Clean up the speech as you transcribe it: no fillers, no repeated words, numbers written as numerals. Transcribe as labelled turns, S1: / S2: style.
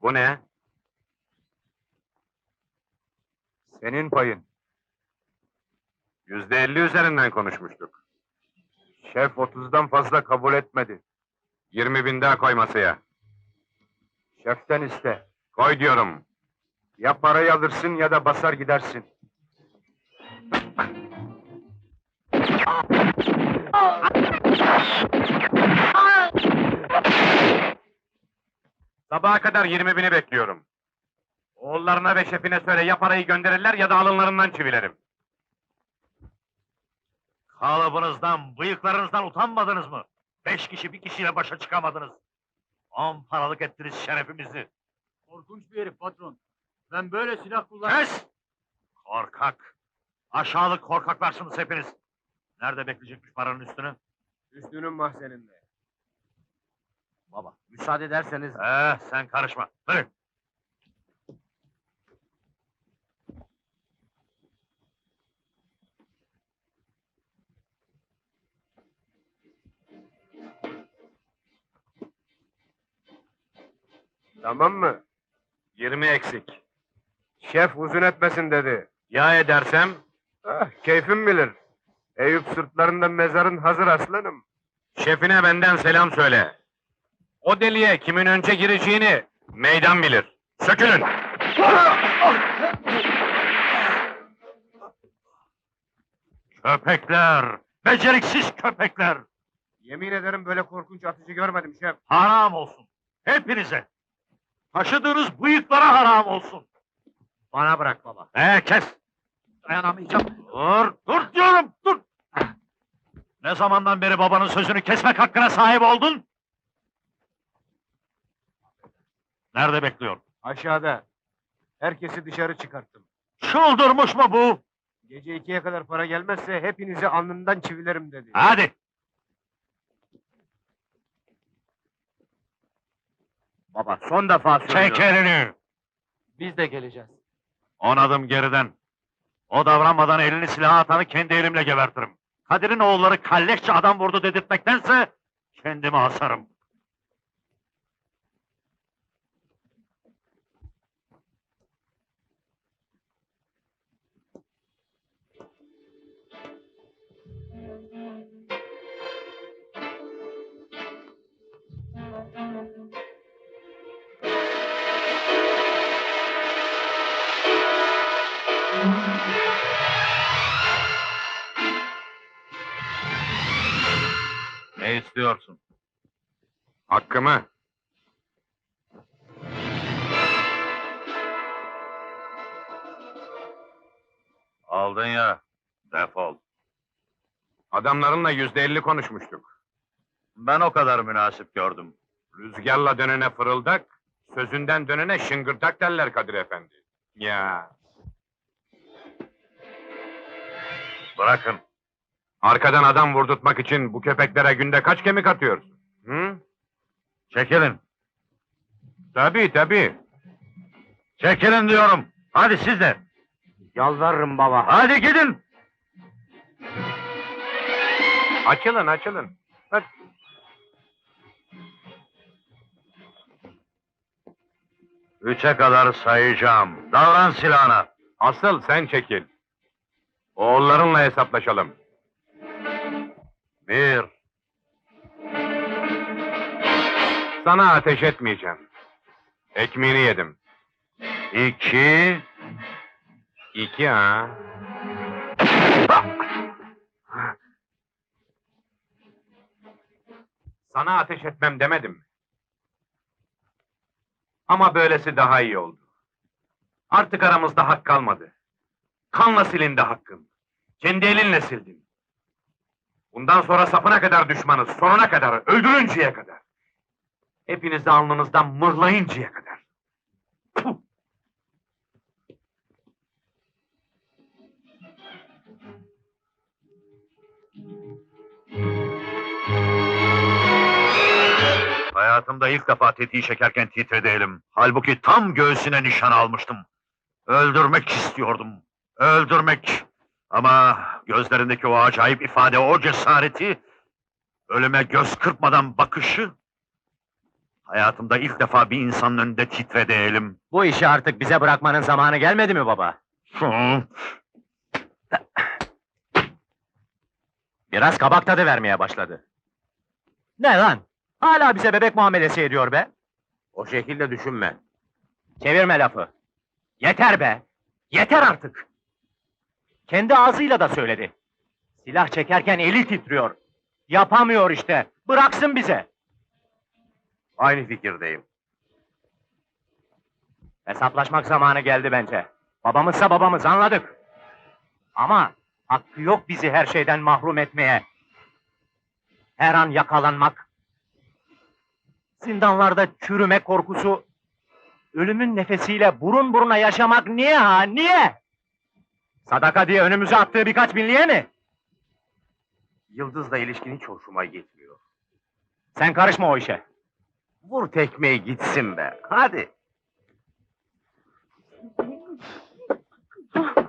S1: Bu ne?
S2: Senin payın.
S1: %50 üzerinden konuşmuştuk.
S2: Şef 30'dan fazla kabul etmedi.
S1: 20.000 daha koy masaya.
S2: Şeften iste.
S1: Koy diyorum.
S2: Ya parayı alırsın ya da basar gidersin.
S1: Sabaha kadar 20.000'i bekliyorum. Oğullarına ve şefine söyle ya parayı gönderirler ya da alınlarından çivilerim.
S3: Kalıbınızdan, bıyıklarınızdan utanmadınız mı? 5 kişi bir kişiyle başa çıkamadınız. 10 paralık ettiniz şerefimizi.
S4: Korkunç bir herif patron. Ben böyle silah kullan...
S3: Kes! Korkak! Aşağılık korkaklarsınız hepiniz. Nerede bekleyecekmiş paranın üstünü?
S2: Üstünün mahzeninde.
S3: Baba.
S2: Müsaade ederseniz...
S3: Sen karışma. Hadi.
S2: Tamam mı?
S1: 20 eksik.
S2: Şef uzun etmesin dedi.
S1: Ya edersem?
S2: Ah, keyfim bilir. Eyüp sırtlarında mezarın hazır aslanım.
S1: Şefine benden selam söyle. O deliğe kimin önce gireceğini meydan bilir. Sökülün!
S3: Köpekler! Beceriksiz köpekler!
S2: Yemin ederim böyle korkunç atıcı görmedim şef.
S3: Haram olsun! Hepinize! Taşıdığınız bıyıklara haram olsun!
S2: Bana bırak baba.
S3: Kes!
S4: Dayanamayacağım.
S3: Dur diyorum, dur! Ne zamandan beri babanın sözünü kesmek hakkına sahip oldun? Nerede bekliyor?
S2: Aşağıda. Herkesi dışarı çıkarttım.
S3: Çıldırmış mı bu?
S2: Gece 2'ye kadar para gelmezse hepinizi alnından çivilerim dedi.
S3: Hadi!
S2: Baba son defa
S3: Çek elini!
S4: Biz de geleceğiz.
S3: 10 adım geriden. O davranmadan elini silaha atanı kendi elimle gebertirim. Kadir'in oğulları kalleşçe adam vurdu dedirtmektense kendimi asarım. Ne istiyorsun?
S1: Hakkımı.
S3: Aldın ya, defol.
S1: Adamlarınla %50 konuşmuştuk.
S3: Ben o kadar münasip gördüm.
S1: Rüzgarla dönene fırıldak, sözünden dönene şıngırdak derler Kadir Efendi. Ya,
S3: Bırakın.
S1: arkadan adam vurdurtmak için bu köpeklere günde kaç kemik atıyorsun? Hı?
S3: Çekilin.
S1: Tabii.
S3: Çekilin diyorum. Hadi siz de.
S2: Yalvarırım baba.
S3: Hadi gidin.
S1: Açılın. Hadi.
S3: Üçe kadar sayacağım. Davran silahına.
S1: Asıl sen çekil. Oğullarınla hesaplaşalım.
S3: 1.
S1: Sana ateş etmeyeceğim. Ekmeğini yedim.
S3: 2.
S1: 2 ha. Sana ateş etmem demedim mi? Ama böylesi daha iyi oldu. Artık aramızda hak kalmadı. Kanla silindi hakkın. Kendi elinle sildin. Bundan sonra sapına kadar düşmanız, sonuna kadar, öldürünceye kadar. Hepinizi alnınızdan mırlayıncaya kadar. Puh!
S3: Hayatımda ilk defa tetiği çekerken titredi elim. Halbuki tam göğsüne nişan almıştım. Öldürmek istiyordum. Öldürmek. Ama gözlerindeki o acayip ifade, o cesareti, ölüme göz kırpmadan bakışı Hayatımda ilk defa bir insanın önünde titredi elim.
S5: Bu işi artık bize bırakmanın zamanı gelmedi mi baba? Biraz kabak tadı vermeye başladı. Ne lan? Hala bize bebek muamelesi ediyor be.
S1: O şekilde düşünme.
S5: Çevirme lafı. Yeter be! Yeter artık! Kendi ağzıyla da söyledi. Silah çekerken eli titriyor. Yapamıyor işte. Bıraksın bize.
S1: Aynı fikirdeyim.
S5: Hesaplaşmak zamanı geldi bence. Babamızsa babamız, anladık. Ama hakkı yok bizi her şeyden mahrum etmeye. Her an yakalanmak, zindanlarda çürüme korkusu, ölümün nefesiyle burun buruna yaşamak niye ha, niye? Sadaka diye önümüze attığı birkaç binliğe mi?
S1: Yıldız'la ilişkin hiç hoşuma gitmiyor.
S5: Sen karışma o işe.
S1: Vur tekmeyi gitsin be. Hadi.